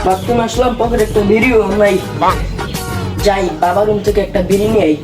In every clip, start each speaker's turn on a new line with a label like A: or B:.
A: বাথরুমে আসলাম, পকেটে একটা বিড়িও নাই। যাই বাবার রুম থেকে একটা বিড়ি নিয়ে আই।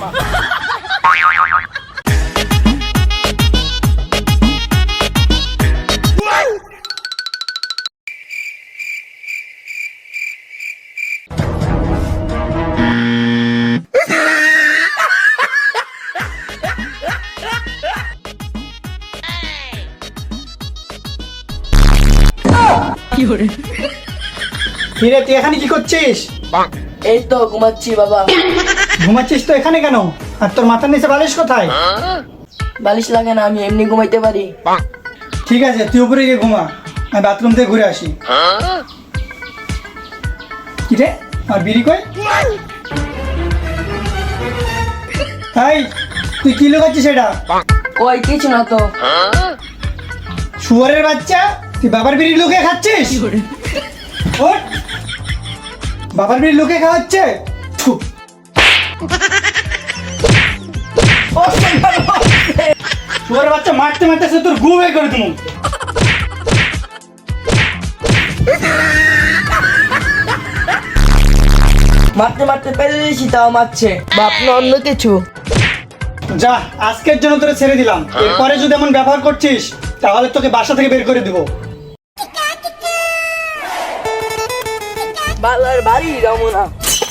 B: কিরে তুই এখানে কি করছিস?
A: এই তো ঘুমাচ্ছি বাবা।
B: ঘুমাচ্ছিস তো এখানে কেন? আর তোর মাথার নিচে বালিশ কোথায়?
A: বালিশ লাগে না, আমি এমনি ঘুমাইতে পারি।
B: ঠিক আছে তুই উপরে গিয়ে ঘুমা, আমি বাথরুম থেকে ঘুরে আসি। কিরে আর বিড়ি কই? হাই তুই কি লুকাচ্ছিস এটা?
A: ওই কিছু না তো।
B: শুয়ারের বাচ্চা, তুই বাবার বিড়ি লুকিয়ে খাচ্ছিস? ওঠ! বাবার বিড়ি লুকিয়ে খাওয়া হচ্ছে? থু। শুয়ারের বাচ্চা মারতে মারতে সে তোর গু বের করে দেবো।
A: মারতে মারতে পেরে দিয়েছি, তাও মারছে। বাপ না অন্য কিছু।
B: যা, আজকের জন্য তোরে ছেড়ে দিলাম। এরপরে যদি এমন ব্যবহার করছিস তাহলে তোকে বাসা থেকে বের করে দিব।
A: বালার বাড়ি যাবো না।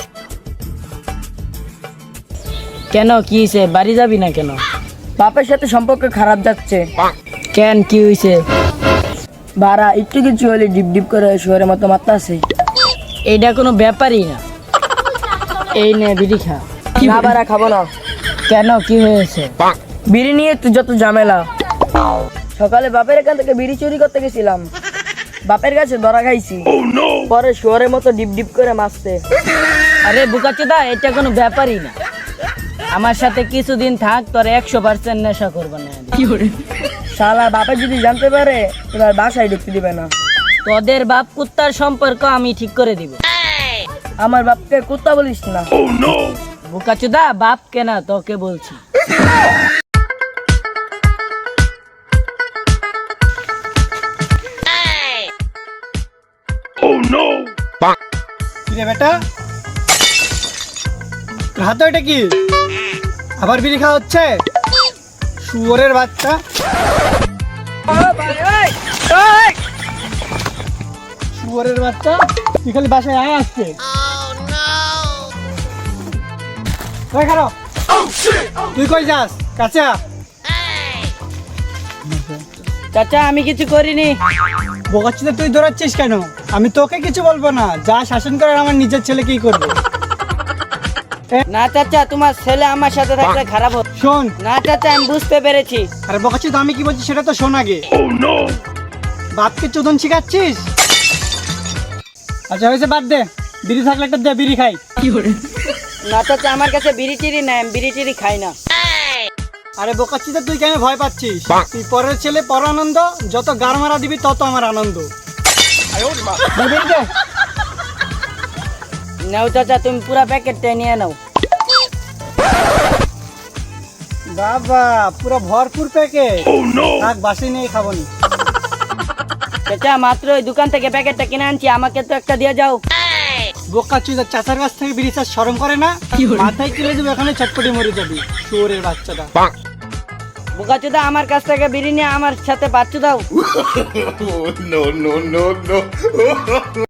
C: কেন, কি হয়েছে? বাড়ি যাবি না কেন?
A: বাপের সাথে সম্পর্ক খারাপ যাচ্ছে।
C: কেন, কি হয়েছে?
A: বাড়া একটু কিছু হলে ডিপ ডিপ করে শহরের মতো মারতে আছে।
C: এইটা কোনো ব্যাপারই না। এই নে বিড়ি খা।
A: না বাড়া, খাবো না।
C: কেন, কি হয়েছে?
A: বিড়ি নিয়ে তুই যত ঝামেলা। সকালে বাপের এখান থেকে বিড়ি চুরি করতে গেছিলাম, বাপের কাছে ধরা খাইছি। পরে শহরের মতো ডিপ ডিপ করে মারতে।
C: আরে বুকাচোদা, এটা কোনো ব্যাপারই না। আমার সাথে কিছুদিন থাক, তোর 100% নেশা করবো না।
A: শালা বাপে যদি জানতে পারে এবার বাসায় ঢুকতে দিবে না।
C: তোদের বাপ কুত্তার সম্পর্ক আমি ঠিক করে দিব।
A: আমার বাপকে কুত্তা বলিস না।
C: বুকাচোদা, বাপ কেনা তোকে বলছি।
B: কিরে বেটা, তোর হাতে ওইটা কি? আবার বিড়ি খাওয়া হচ্ছে? শুয়োরের বাচ্চা। শুয়োরের বাচ্চা, তুই খালি বাসায় আয় আসছে। ওই খারাপ, তুই কই যাস? কাঁচা
C: চাচা, আমি কিছু করিনি।
B: বোকাচ্ছিতে তুই দৌড়াচ্ছিস কেন? আমি তোকে কিছু বলবো না, যা শাসন করার আমার নিজের ছেলে কি করবে।
C: না চাচা, তোমার ছেলে আমার সাথে থাকলে খারাপ হবে।
B: শোন,
C: না চাচা, আমি বুঝতে পেরেছি।
B: আরে বোকাচ্ছিত আমি কি বলছি সেটা তো শোন আগে। বাপকে চোদন শিখাচ্ছিস? আচ্ছা হয়েছে, বাদ দে। বিড়ি থাকলে একটা দে, বিড়ি খাই।
C: না চাচা, আমার কাছে বিড়ি টিড়ি নাই, আমি বিড়ি টিড়ি খাই না।
B: আরে বোকাচ্ছিতে তুই কেন ভয় পাচ্ছিস? তুই পরের ছেলে পর আনন্দ, যত গার মারা দিবি তত আমার আনন্দ। দে বিড়ি দে।
C: নাও চাচা, তুমি পুরা প্যাকেটটা নিয়ে নাও।
B: বাবা পুরো ভরপুর প্যাকেট। থাক, বাসি নিয়ে খাবো নি।
C: চাচা, মাত্র ওই দোকান থেকে প্যাকেটটা কিনে আনছি, আমাকে তো একটা দিয়ে যাও।
B: বোকাচ্ছিতে চাচার কাছ থেকে বিড়ি চাষ শরম করে না? মাথায় কিলে দেবো, এখানে চটপটি মরে যাবি শুয়োরের বাচ্চাটা।
C: বোকাচোদা, আমার কাছ থেকে বিড়ি নিয়ে আমার সাথে বাচ্চু দাও।
D: no, no, no, no.